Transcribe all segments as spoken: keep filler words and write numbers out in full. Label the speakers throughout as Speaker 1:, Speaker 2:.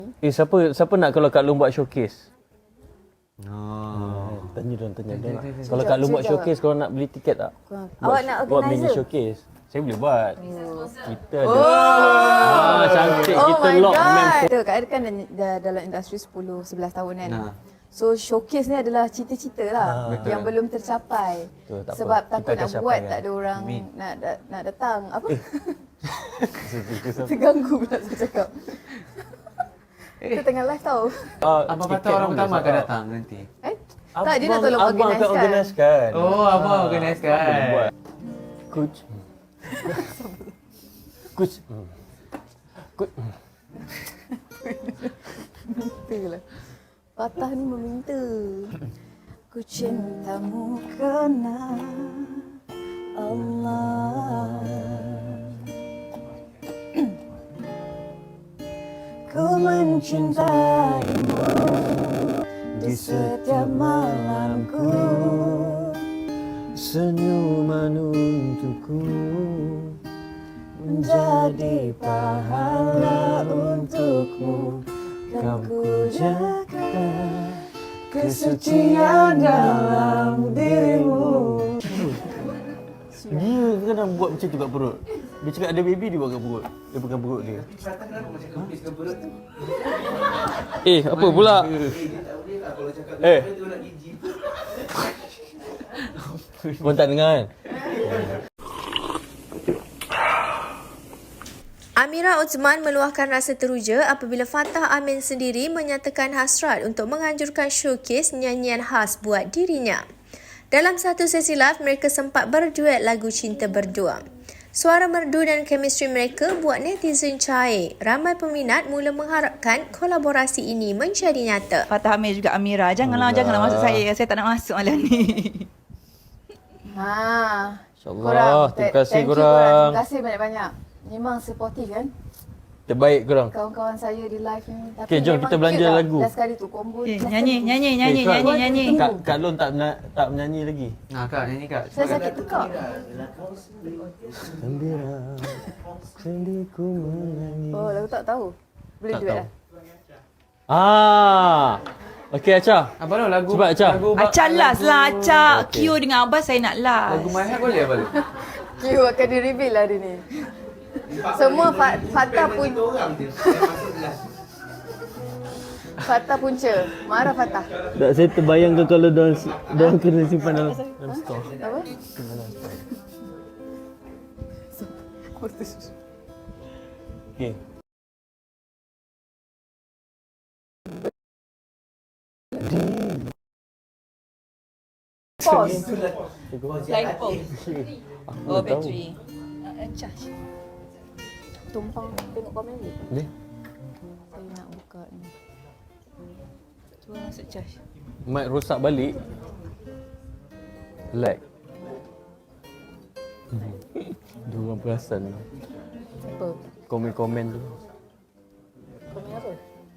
Speaker 1: Eh, siapa siapa nak kalau Kak Long buat showcase?
Speaker 2: Oh.
Speaker 1: Hmm, tanya dong, tanya dong. Kalau Kak Long buat showcase, korang nak beli tiket tak?
Speaker 3: Awak nak
Speaker 1: Buat mini
Speaker 3: organizer?
Speaker 1: showcase. Saya boleh buat. Oh. Kita ada.
Speaker 3: Oh.
Speaker 1: Ah, cantik.
Speaker 3: Oh
Speaker 1: Kita
Speaker 3: my
Speaker 1: lock
Speaker 3: God.
Speaker 1: member.
Speaker 3: Kita Kak Air kan dah, dah dalam industri sepuluh sebelas tahun kan.
Speaker 2: Nah.
Speaker 3: So showcase ni adalah cita-cita lah
Speaker 1: Ah.
Speaker 3: yang belum tercapai.
Speaker 1: Betul, tak
Speaker 3: Sebab
Speaker 1: apa.
Speaker 3: takut
Speaker 1: Kita akan
Speaker 3: nak
Speaker 1: capai
Speaker 3: buat
Speaker 1: kan.
Speaker 3: tak ada orang
Speaker 2: Amin.
Speaker 3: nak nak, nak datang. Apa? Terganggu pula saya cakap. Kita tengah live tau.
Speaker 1: Ah,
Speaker 2: Apa
Speaker 1: tiket
Speaker 2: kata orang
Speaker 1: boleh,
Speaker 2: utama akan
Speaker 1: Sarah.
Speaker 2: datang nanti?
Speaker 3: Eh? Tak, dia nak
Speaker 1: Abang-
Speaker 3: tolong
Speaker 1: abang akan
Speaker 3: organisekan.
Speaker 1: organiskan.
Speaker 2: Oh, abang organiskan.
Speaker 1: Boleh buat. Coach. Coach. Coach.
Speaker 3: Itulah. Patah ni meminta. Ku cintamu kerana Allah. Ku mencintaimu di setiap malamku.
Speaker 1: Senyuman untukku
Speaker 3: Menjadi pahala untukmu. Kan ku jaga kesucian dalam dirimu.
Speaker 1: Dia kadang buat macam tu kat perut. Dia cakap ada baby, dia buat kat perut. Dia pegang perut dia. Eh, apa pula? Eh. Kau tak dengar kan?
Speaker 4: Amira Othman meluahkan rasa teruja apabila Fatah Amin sendiri menyatakan hasrat untuk menganjurkan showcase nyanyian khas buat dirinya. Dalam satu sesi live, mereka sempat berduet lagu Cinta Berdua. Suara merdu dan chemistry mereka buat netizen cair. Ramai peminat mula mengharapkan kolaborasi ini menjadi nyata.
Speaker 5: Fatah Amir juga Amira. Janganlah,
Speaker 1: Allah.
Speaker 5: janganlah masuk saya. Saya tak nak masuk malam ni.
Speaker 3: Ha.
Speaker 1: InsyaAllah. Terima
Speaker 3: th-
Speaker 1: kasih
Speaker 3: thank you
Speaker 1: korang.
Speaker 3: Terima kasih banyak-banyak. Memang supportive kan
Speaker 1: Terbaik korang.
Speaker 3: kawan-kawan saya di live ni. Tapi
Speaker 1: Okey, jom
Speaker 3: memang
Speaker 1: kita belanja
Speaker 3: cute lah.
Speaker 1: lagu.
Speaker 3: Last kali tu combo.
Speaker 5: Okay,
Speaker 3: last
Speaker 5: nyanyi,
Speaker 3: kali tu.
Speaker 5: nyanyi, nyanyi,
Speaker 1: Eh, kau-
Speaker 5: nyanyi, nyanyi.
Speaker 1: Kak, Kak Lon tak, mena- tak menyanyi lagi.
Speaker 2: Nah, Kak, nyanyi Kak.
Speaker 3: Saya sakit tekak.
Speaker 1: Gembira, sendiku menyanyi.
Speaker 3: Oh, lagu tak tahu. Boleh
Speaker 1: Tak
Speaker 3: duet
Speaker 1: tahu.
Speaker 3: lah.
Speaker 1: Ah. Okey, Acha.
Speaker 2: Abang lo lagu
Speaker 1: Cepat, Acah.
Speaker 2: lagu
Speaker 5: Acak last lah, Acak.
Speaker 1: Okey.
Speaker 5: Q dengan Abah saya nak last.
Speaker 2: Lagu My Heart boleh abang?
Speaker 3: Q akan di-reveal hari ni. Semua fa- Fatah pun Fatah punca. Marah Fatah.
Speaker 1: Tak, saya terbayangkan kalau diorang, diorang kena simpan dalam, dalam store.
Speaker 3: Apa?
Speaker 1: Okey.
Speaker 3: Pause.
Speaker 5: Line pause.
Speaker 1: Aku
Speaker 5: Oh,
Speaker 1: tak tahu.
Speaker 5: bateri. Uh, charge.
Speaker 3: Tumpang tengok komen ni.
Speaker 1: Boleh?
Speaker 3: Saya nak buka ni.
Speaker 5: Cuba masuk charge.
Speaker 1: Mic rosak balik. Lag. Dia orang perasan
Speaker 3: Apa?
Speaker 1: komen-komen tu.
Speaker 3: Komen apa?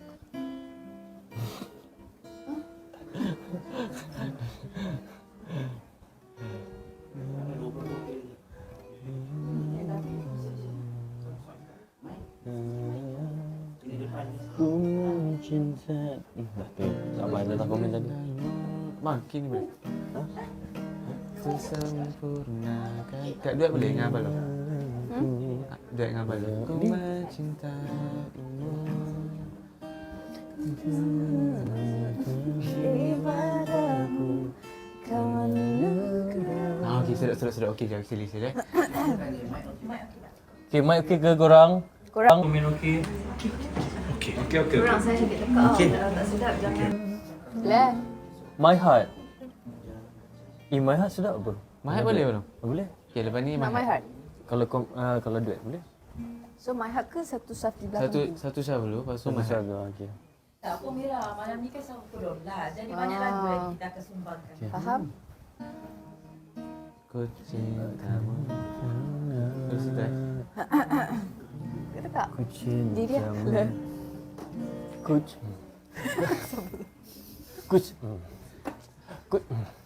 Speaker 1: Ku mencinta. Hmm, dah tu. Sabar datang komen tadi.
Speaker 2: Makin ni boleh. Ha? Sesempurnakan. Kak duet boleh dengan abang lo?
Speaker 3: Hmm?
Speaker 2: Duet dengan abang lo. Ku mencintaimu.
Speaker 3: Ibadaku kau anugerah.
Speaker 2: Ah, okey, sedap, sedap, sedap. Okey, okey, sila, sila.
Speaker 1: Okey, mic okey ke korang?
Speaker 3: Korang
Speaker 1: Komen okey.
Speaker 3: Korang saya sakit tekak. Okay. Kalau tak sedap jangan. Lah.
Speaker 1: My Heart. Eh, My Heart sedap apa?
Speaker 2: My Heart boleh belum?
Speaker 1: Oh, boleh.
Speaker 2: Okey, lepas ni
Speaker 3: Nak my heart.
Speaker 1: Kalau kom, uh, kalau duet boleh?
Speaker 3: So my heart ke satu saf di belakang?
Speaker 2: Satu satu syah dulu, lepas tu
Speaker 1: So,
Speaker 2: My Heart.
Speaker 1: masa okey.
Speaker 6: Tak apa Mira, malam ni kan sama Kodon lah. Jadi banyak lagu yang kita akan sumbangkan.
Speaker 3: Faham?
Speaker 2: Ku cintamu. Terus dah.
Speaker 3: Kata tak?
Speaker 1: Ku cinta.
Speaker 3: Diri dia. Lah.
Speaker 1: Ku cinta. Ku cinta. Ku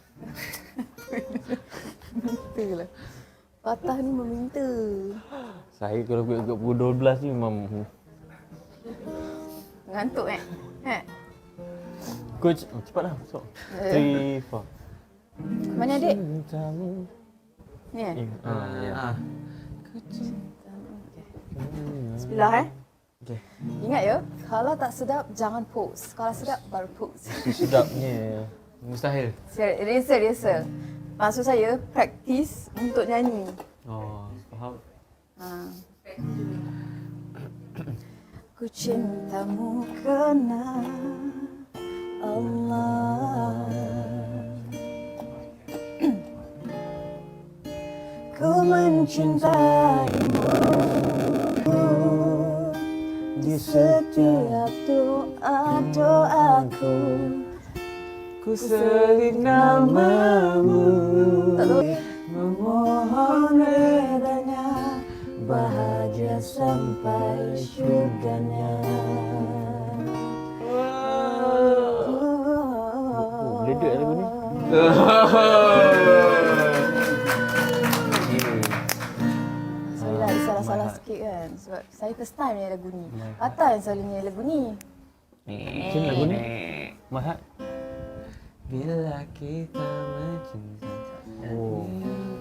Speaker 3: Itulah. Patah ni meminta.
Speaker 1: Saya kalau buat kat pukul dua belas ni memang
Speaker 7: Ngantuk eh? Eh?
Speaker 1: Coach, oh, cepatlah. So,
Speaker 7: Eh.
Speaker 1: three, four.
Speaker 7: Mana adik?
Speaker 1: Cintamu.
Speaker 7: Ni eh?
Speaker 1: Eh, ah, ya.
Speaker 2: Ah.
Speaker 7: Bismillah eh?
Speaker 1: Okay.
Speaker 7: Ingat ya, kalau tak sedap jangan pose. Kalau sedap baru pose.
Speaker 1: Sedapnya.
Speaker 2: Mustahil.
Speaker 7: Rehearsal, rehearsal. Maksud saya, praktis untuk nyanyi.
Speaker 1: Oh, faham.
Speaker 7: Ha. Ku cintamu kerana Allah. Ku mencintaimu di setiap doa-doaku.
Speaker 2: Ku selit namamu,
Speaker 7: Memohon redanya, bahagia sampai syurganya.
Speaker 1: Oh, meledek lagu ni.
Speaker 7: Sorry lah, salah-salah sikit kan. Sebab saya first time nyanyi lagu ni. Atta yang selalu nyanyi lagu ni.
Speaker 1: Macam lagu ni? Mahat.
Speaker 2: bila kita mencinta.
Speaker 1: Oh.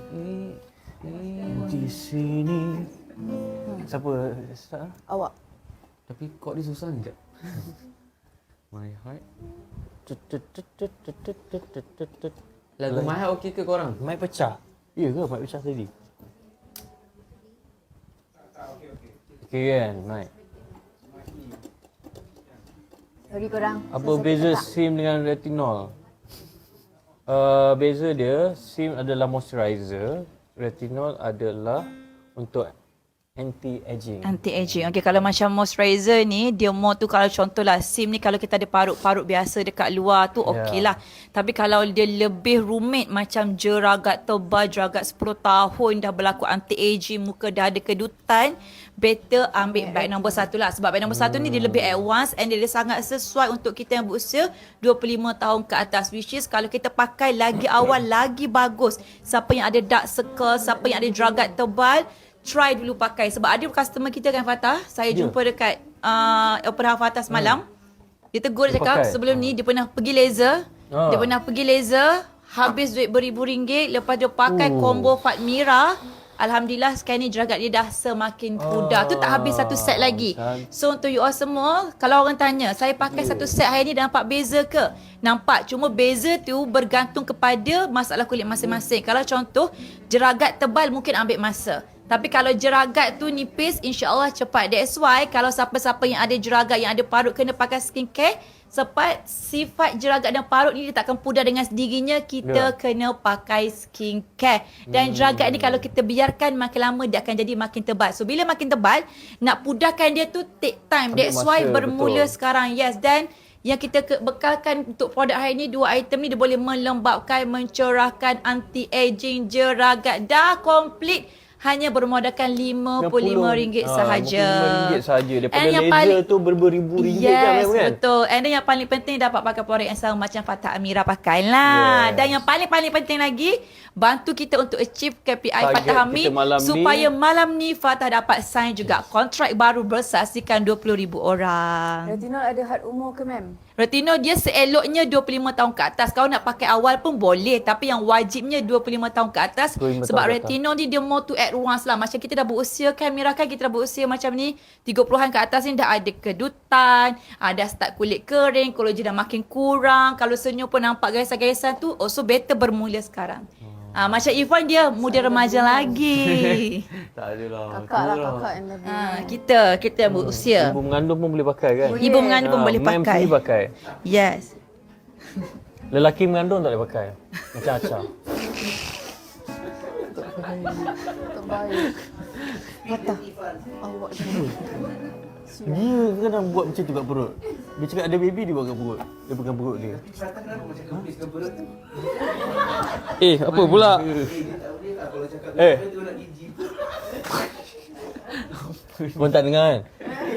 Speaker 1: Di sini. Siapa start?
Speaker 7: Awak.
Speaker 2: Tapi kod dia susah ni, Jap. My heart. Lagu My Heart okey ke korang?
Speaker 1: Mic pecah. Ya ke mic pecah tadi? Okey kan mic.
Speaker 7: Sorry korang.
Speaker 1: Apa
Speaker 7: Saya
Speaker 1: beza
Speaker 7: sakit
Speaker 1: SIM dengan retinol? Uh, beza dia, SIM adalah moisturizer, retinol adalah untuk anti-aging.
Speaker 5: Anti-aging. Okey, kalau macam moisturizer ni, dia more tu kalau contohlah SIM ni kalau kita ada parut-parut biasa dekat luar tu okey lah. Tapi kalau dia lebih rumit macam jeragat tebal, jeragat sepuluh tahun dah berlaku anti-aging, muka dah ada kedutan, better ambil beg nombor satu lah. Sebab beg nombor satu ni dia lebih advance and dia, dia sangat sesuai untuk kita yang berusia dua puluh lima tahun ke atas. Which is kalau kita pakai lagi awal, lagi bagus. Siapa yang ada dark circle, siapa yang ada jeragat tebal, try dulu pakai. Sebab ada customer kita kan Fatah, saya
Speaker 1: Ya.
Speaker 5: jumpa dekat uh, Opera Fatah semalam. Dia tegur, dia
Speaker 1: Dia
Speaker 5: cakap
Speaker 1: pakai?
Speaker 5: sebelum ni dia pernah pergi laser.
Speaker 1: Ah.
Speaker 5: Dia pernah pergi laser, habis duit beribu ringgit. Lepas dia pakai
Speaker 1: Oh.
Speaker 5: combo Fatmira. Alhamdulillah sekarang ni jeragat dia dah semakin pudar. Tu tak habis satu set lagi.
Speaker 1: cantik.
Speaker 5: So untuk you all semua, kalau orang tanya, saya pakai satu set hari ni dah nampak beza ke? Nampak. Cuma beza tu bergantung kepada masalah kulit masing-masing. Kalau contoh, jeragat tebal mungkin ambil masa. Tapi kalau jeragat tu nipis, insya-Allah cepat. That's why kalau siapa-siapa yang ada jeragat, yang ada parut kena pakai skincare. Sebab sifat jeragat dan parut ni dia takkan pudar dengan sendirinya. Kita
Speaker 1: Ya.
Speaker 5: kena pakai skincare. Dan jeragat ni kalau kita biarkan makin lama dia akan jadi makin tebal. So bila makin tebal, nak pudarkan dia tu take time.
Speaker 1: Ambil
Speaker 5: That's why
Speaker 1: masa,
Speaker 5: bermula
Speaker 1: betul.
Speaker 5: sekarang. Yes, dan yang kita ke- bekalkan untuk produk hari ni, dua item ni dia boleh melembabkan, mencerahkan, anti-aging, jeragat. Dah komplit. Hanya bermodalkan lima puluh lima ringgit
Speaker 1: Ah,
Speaker 5: sahaja.
Speaker 1: lima puluh lima ringgit sahaja. Daripada
Speaker 5: And yang
Speaker 1: laser
Speaker 5: paling-
Speaker 1: tu berberibu ringgit
Speaker 5: Yes,
Speaker 1: kan, kan?
Speaker 5: betul. And then yang paling penting dapat pakai produk yang sama macam Fatah Amira pakai lah.
Speaker 1: Yes.
Speaker 5: Dan yang paling-paling penting lagi, bantu kita untuk achieve K P I
Speaker 1: Target
Speaker 5: Fatah Hamid
Speaker 1: kita malam ni.
Speaker 5: supaya malam ni Fatah dapat sign juga kontrak baru bersaksikan dua puluh ribu orang.
Speaker 7: Retinol ada had umur ke ma'am?
Speaker 5: Retinol dia seeloknya dua puluh lima tahun ke atas. Kalau nak pakai awal pun boleh. Tapi yang wajibnya dua puluh lima tahun ke atas.
Speaker 1: dua puluh lima
Speaker 5: Sebab
Speaker 1: tahun ke atas.
Speaker 5: retinol ni dia more to advance lah. Macam kita dah berusia kan, Mira kan kita dah berusia macam ni. tiga puluhan ke atas ni dah ada kedutan. Ada start kulit kering. Kolagen dah makin kurang. Kalau senyum pun nampak garisan-garisan tu. Also better bermula sekarang. Ah, macam Irfan dia muda remaja lagi.
Speaker 1: Tak adalah.
Speaker 7: Kakak lah, kakak yang lebih.
Speaker 5: Ah, kita, kita yang berusia.
Speaker 1: Ibu mengandung pun boleh pakai kan?
Speaker 7: Boleh.
Speaker 5: Ibu mengandung pun
Speaker 1: Ah,
Speaker 5: boleh
Speaker 1: mem
Speaker 5: pakai.
Speaker 1: sendiri pakai.
Speaker 5: Yes.
Speaker 1: Lelaki mengandung tak boleh pakai. Macam Aca.
Speaker 7: Terbaik. Fatah. Awak
Speaker 1: Dia kadang buat macam tu kat perut. Dia cakap ada baby, dia buat kat perut. Dia pegang perut dia. Eh, apa pula? Eh. Kau tak dengar kan?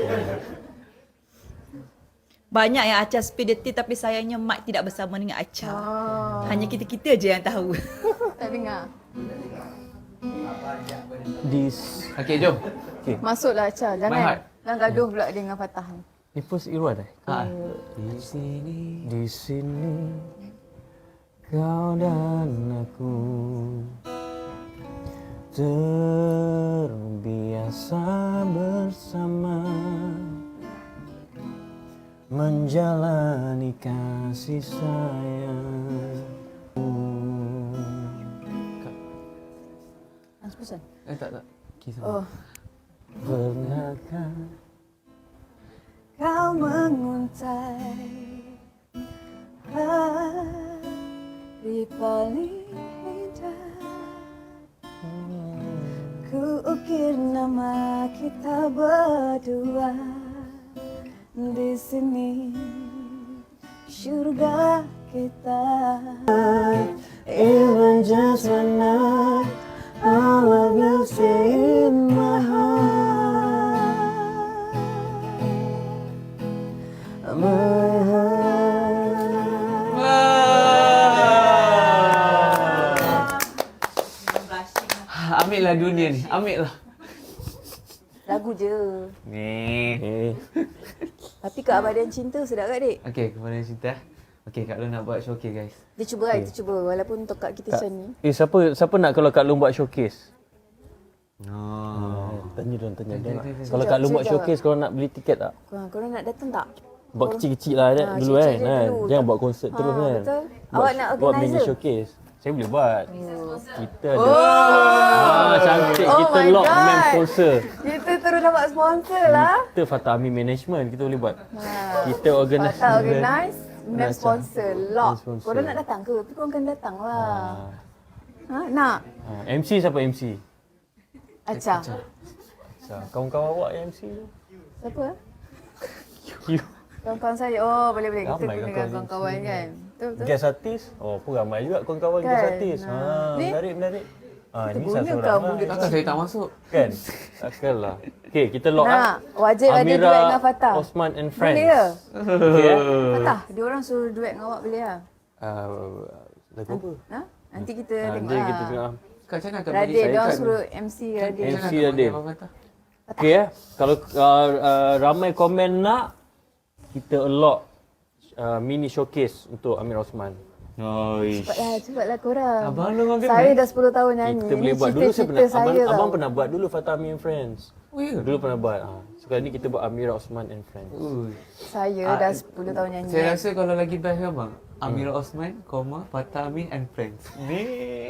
Speaker 5: Banyak yang Acha spill detik tapi sayangnya Mat tidak bersama dengan Acha.
Speaker 7: Oh.
Speaker 5: Hanya kita-kita je yang tahu.
Speaker 7: Tak dengar.
Speaker 1: This.
Speaker 2: Okey, jom.
Speaker 7: Masuklah Acha.
Speaker 2: My
Speaker 7: Jangan.
Speaker 2: heart.
Speaker 7: Jangan gaduh pula dengan Fatah ni.
Speaker 1: Ni first Irwan eh?
Speaker 2: Ah. Di sini.
Speaker 1: Di sini kau dan aku terbiasa bersama menjalani kasih sayang.
Speaker 7: Hans Person.
Speaker 2: Eh tak tak. Kisah.
Speaker 7: Oh.
Speaker 1: Pernahkah
Speaker 7: Kau menguntai hari paling indah. Ku ukir nama kita berdua di sini, syurga kita.
Speaker 1: even just one night I love you stay in my heart, my
Speaker 2: Ah, ambil lah dunia ni. Ambil lah.
Speaker 7: Lagu je.
Speaker 2: Ni.
Speaker 1: Eh,
Speaker 7: Tapi keabadian cinta sedap kat dik?
Speaker 2: Okey, kepada cerita. Okey, Kak Long nak buat showcase guys.
Speaker 7: Dia cuba kan, kita cuba. Walaupun untuk Kak kita macam ni.
Speaker 1: eh siapa siapa nak kalau Kak Long buat showcase?
Speaker 2: Oh.
Speaker 1: Tanya dong, tanya dong.
Speaker 2: Tanya, tanya.
Speaker 1: Kalau Kak Long buat showcase, korang nak beli tiket tak?
Speaker 7: Korang, korang nak datang tak?
Speaker 1: Buat kecil-kecil lah
Speaker 7: Ah,
Speaker 1: dulu
Speaker 7: kecil-kecil
Speaker 1: kan.
Speaker 7: je
Speaker 1: kan?
Speaker 7: dulu.
Speaker 1: Jangan buat konsert terus
Speaker 7: Ah,
Speaker 1: kan.
Speaker 7: betul.
Speaker 1: Buat,
Speaker 7: Awak nak
Speaker 1: buat mini
Speaker 7: organizer?
Speaker 1: showcase. Saya boleh buat. Kita ada.
Speaker 7: Oh,
Speaker 1: Ah, cantik.
Speaker 7: Oh
Speaker 1: Kita
Speaker 7: my
Speaker 1: lock
Speaker 7: God.
Speaker 1: man sponsor.
Speaker 7: kita terus dapat sponsor lah.
Speaker 1: Kita Fatah Amin Management. Kita boleh buat.
Speaker 7: Ha.
Speaker 1: Kita organize.
Speaker 7: Patah organize, dan
Speaker 1: Macam-
Speaker 7: sponsor. Lock.
Speaker 1: sponsor.
Speaker 7: Korang nak datang ke? Tapi korang kena datang lah.
Speaker 1: Ah.
Speaker 7: Ha, nak?
Speaker 1: Ah, M C siapa M C?
Speaker 7: Acah.
Speaker 1: So, kawan-kawan awak yang M C tu.
Speaker 7: Siapa?
Speaker 1: You.
Speaker 7: Kawan-kawan saya. Oh, boleh-boleh. Kita
Speaker 1: Ramai
Speaker 7: gunakan
Speaker 1: kawan-kawan
Speaker 7: kawan-kawan kan. Betul, betul.
Speaker 1: Guest artis. Oh, pun ramai juga kawan-kawan
Speaker 7: Kan?
Speaker 1: guest artis. Ha,
Speaker 7: Ah. Ni?
Speaker 1: menarik, menarik. Ah,
Speaker 7: Kita
Speaker 1: ni salah
Speaker 7: gunakan
Speaker 1: seorang
Speaker 7: mulut.
Speaker 1: lah.
Speaker 2: Takkan saya tak masuk.
Speaker 1: Kan? Takkanlah. Okey, kita lock
Speaker 7: Nak.
Speaker 1: ah.
Speaker 7: Wajib ada
Speaker 1: Amira,
Speaker 7: duet dengan Fatah.
Speaker 1: Osman and Friends.
Speaker 7: Boleh ke?
Speaker 1: Okey. eh?
Speaker 7: Fatah, dia orang suruh duet dengan awak boleh lah.
Speaker 1: Ah, lagu apa?
Speaker 7: Ha? Nanti kita
Speaker 1: Ah,
Speaker 7: tengok
Speaker 1: nanti
Speaker 7: lah.
Speaker 1: kita tengok.
Speaker 2: Kak macam mana Kak
Speaker 7: Radin,
Speaker 2: bagi
Speaker 7: dia orang
Speaker 2: Kak-
Speaker 7: suruh M C Radin.
Speaker 1: M C
Speaker 2: Macam mana Kak bagi
Speaker 1: Radin.
Speaker 2: Abang Fatah?
Speaker 1: Okey eh. Kalau uh, uh, ramai komen nak, kita allot uh, mini showcase untuk Amir Osman.
Speaker 2: Oi.
Speaker 7: Cepatlah, cepatlah korang.
Speaker 2: Abang Long orang
Speaker 7: Saya
Speaker 2: kena.
Speaker 7: dah sepuluh tahun nyanyi.
Speaker 1: Kita boleh
Speaker 7: Ini
Speaker 1: buat dulu saya
Speaker 7: cita-cita
Speaker 1: pernah abang,
Speaker 7: saya
Speaker 1: abang
Speaker 7: tau.
Speaker 1: pernah buat dulu Fatah Amir and Friends.
Speaker 2: Oh ya.
Speaker 1: Dulu pernah buat. Ha. Sekarang ni kita buat Amira Osman and Friends.
Speaker 2: Ui.
Speaker 7: Saya
Speaker 2: Ah,
Speaker 7: dah sepuluh tahun nyanyi.
Speaker 2: Saya rasa kalau lagi best kan bang, Amira Osman, koma, Fatah Amin and Friends. Ni.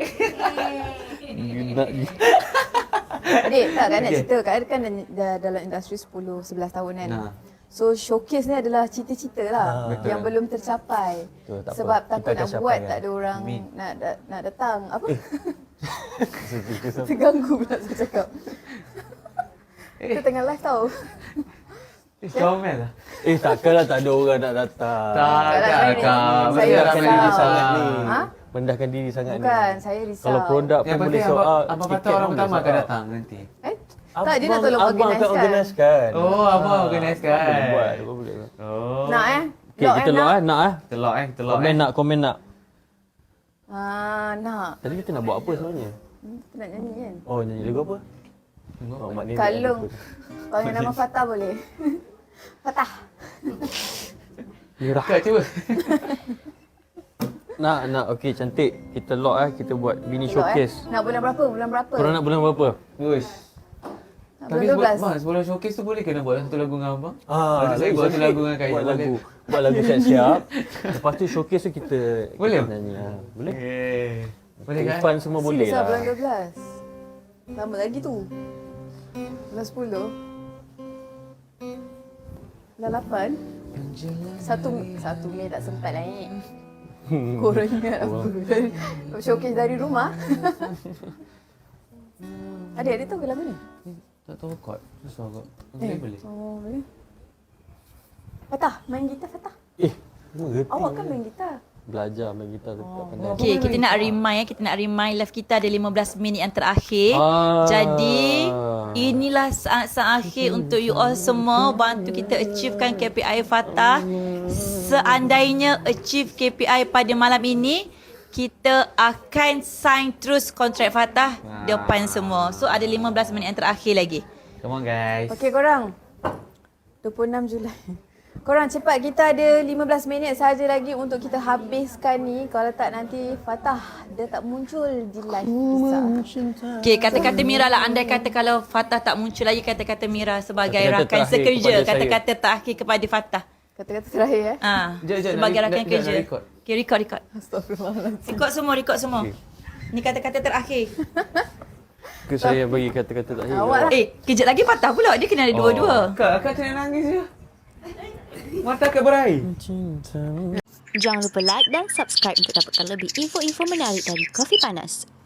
Speaker 7: Adik, tak kan nak
Speaker 2: Okey.
Speaker 7: cerita. Kak Ad kan dah, dah dalam industri sepuluh sebelas tahun kan.
Speaker 2: Nah.
Speaker 7: So showcase ni adalah cita-cita lah
Speaker 1: Ah.
Speaker 7: yang belum tercapai.
Speaker 1: Betul, tak apa.
Speaker 7: Sebab
Speaker 1: Kita
Speaker 7: takut
Speaker 1: akan
Speaker 7: nak
Speaker 1: capai
Speaker 7: buat
Speaker 1: kan.
Speaker 7: tak ada orang
Speaker 2: Amin.
Speaker 7: nak, nak nak datang. Apa?
Speaker 1: Kita
Speaker 7: Terganggu pula saya cakap. Kita tengah live tau.
Speaker 2: Eh, comel lah.
Speaker 1: Eh takkanlah tak ada orang nak datang.
Speaker 2: Tak,
Speaker 7: Tak nak
Speaker 2: tak,
Speaker 7: saya
Speaker 2: Kak.
Speaker 7: saya
Speaker 1: Mendahkan diri
Speaker 7: risau.
Speaker 1: sangat ni.
Speaker 7: Ha?
Speaker 1: Mendahkan diri sangat ni.
Speaker 7: Bukan, saya risau.
Speaker 1: Kalau produk
Speaker 2: Yang
Speaker 1: pun boleh
Speaker 2: penting
Speaker 1: sold
Speaker 2: abang,
Speaker 1: out.
Speaker 2: abang
Speaker 1: tiket
Speaker 2: Fatah orang
Speaker 1: pun
Speaker 2: pertama
Speaker 1: boleh
Speaker 2: akan
Speaker 1: sold out.
Speaker 2: datang nanti.
Speaker 7: Eh? Tak, dia nak tolong
Speaker 1: Abang akan
Speaker 7: organisekan.
Speaker 1: organisekan.
Speaker 2: Oh, abang organisekan.
Speaker 1: Abang boleh buat. Abang boleh buat.
Speaker 2: Oh.
Speaker 7: Nak eh?
Speaker 1: Okay, kita lock eh. Nak eh.
Speaker 2: Telok eh, telok
Speaker 1: Komen
Speaker 2: eh.
Speaker 1: nak, komen nak.
Speaker 7: Ah, nak.
Speaker 1: Tadi kita nak buat apa sebenarnya?
Speaker 7: Hmm, Kita nak nyanyi kan?
Speaker 1: Oh, nyanyi lagu apa? Oh, maknanya
Speaker 7: Kalung. Kalau yang nama Fatah boleh. Fatah.
Speaker 1: Mirah.
Speaker 2: Kak cuba.
Speaker 1: Nak, nak. Okey, cantik. Kita lock eh. Kita buat mini
Speaker 7: Elok,
Speaker 1: showcase.
Speaker 7: Eh? Nak bulan berapa? Bulan berapa?
Speaker 1: Korang nak bulan berapa?
Speaker 2: Uish.
Speaker 7: Nak
Speaker 2: Tapi
Speaker 7: bulan dua belas.
Speaker 2: sebelum, bang, sebelum showcase tu boleh kena buat satu lagu dengan abang?
Speaker 1: Ah,
Speaker 2: Lepas tu saya buat satu lagu dengan Kak
Speaker 1: Buat
Speaker 2: Ida,
Speaker 1: lagu.
Speaker 2: boleh?
Speaker 1: Buat lagu siap-siap. Lepas tu showcase tu kita
Speaker 2: Boleh?
Speaker 1: kita nyanyi. Ha, boleh?
Speaker 2: Eh. Boleh kan?
Speaker 1: Irfan semua boleh
Speaker 7: Serius
Speaker 1: lah.
Speaker 7: bulan dua belas. Lama lagi tu. Bulan sepuluh. Bulan lapan. Satu satu Mei tak sempat lah ni. Korang ingat apa? Showcase dari rumah. Adik, adik tahu ke lagu ni?
Speaker 2: Tak tahu chord. Susah kot. Boleh, boleh.
Speaker 7: Oh, boleh. Fatah, main gitar Fatah.
Speaker 1: Eh, mengerti.
Speaker 7: Awak kan main gitar.
Speaker 1: Belajar main gitar tu tak pandai.
Speaker 5: Okey, kita nak remind ya, kita nak remind live kita ada lima belas minit yang terakhir.
Speaker 1: Ah.
Speaker 5: Jadi, inilah saat-saat akhir untuk you all semua bantu kita achievekan K P I Fatah. Seandainya achieve K P I pada malam ini, kita akan sign terus kontrak Fatah depan semua. So ada lima belas minit yang terakhir lagi.
Speaker 2: Come on guys.
Speaker 7: Okey korang. dua puluh enam Julai. Korang cepat, kita ada lima belas minit saja lagi untuk kita habiskan ni. Kalau tak nanti Fatah dia tak muncul di live kita.
Speaker 5: Okay, kata-kata Mira lah. Andai kata kalau Fatah tak muncul lagi, kata-kata Mira sebagai
Speaker 1: Kata-kata
Speaker 5: rakan
Speaker 1: terakhir
Speaker 5: sekerja.
Speaker 1: kepada saya.
Speaker 5: Kata-kata terakhir kepada Fatah.
Speaker 7: Kata-kata terakhir eh.
Speaker 5: Ah,
Speaker 2: Jap, jap,
Speaker 5: sebagai
Speaker 2: nak-
Speaker 5: rakan
Speaker 2: nak- nak
Speaker 5: kerja.
Speaker 2: record.
Speaker 5: Okay, record, record.
Speaker 7: Astagfirullahaladzim.
Speaker 5: Record semua, record semua. Ni kata-kata terakhir.
Speaker 1: Ke saya bagi kata-kata terakhir.
Speaker 7: Awak lah.
Speaker 5: Eh, kejap lagi Fatah pula. Dia kena ada dua-dua.
Speaker 2: Kak, akak tengah nangis je. Mata akak berair.
Speaker 8: Jangan lupa like dan subscribe untuk dapatkan lebih info-info menarik dari Kopi Panas.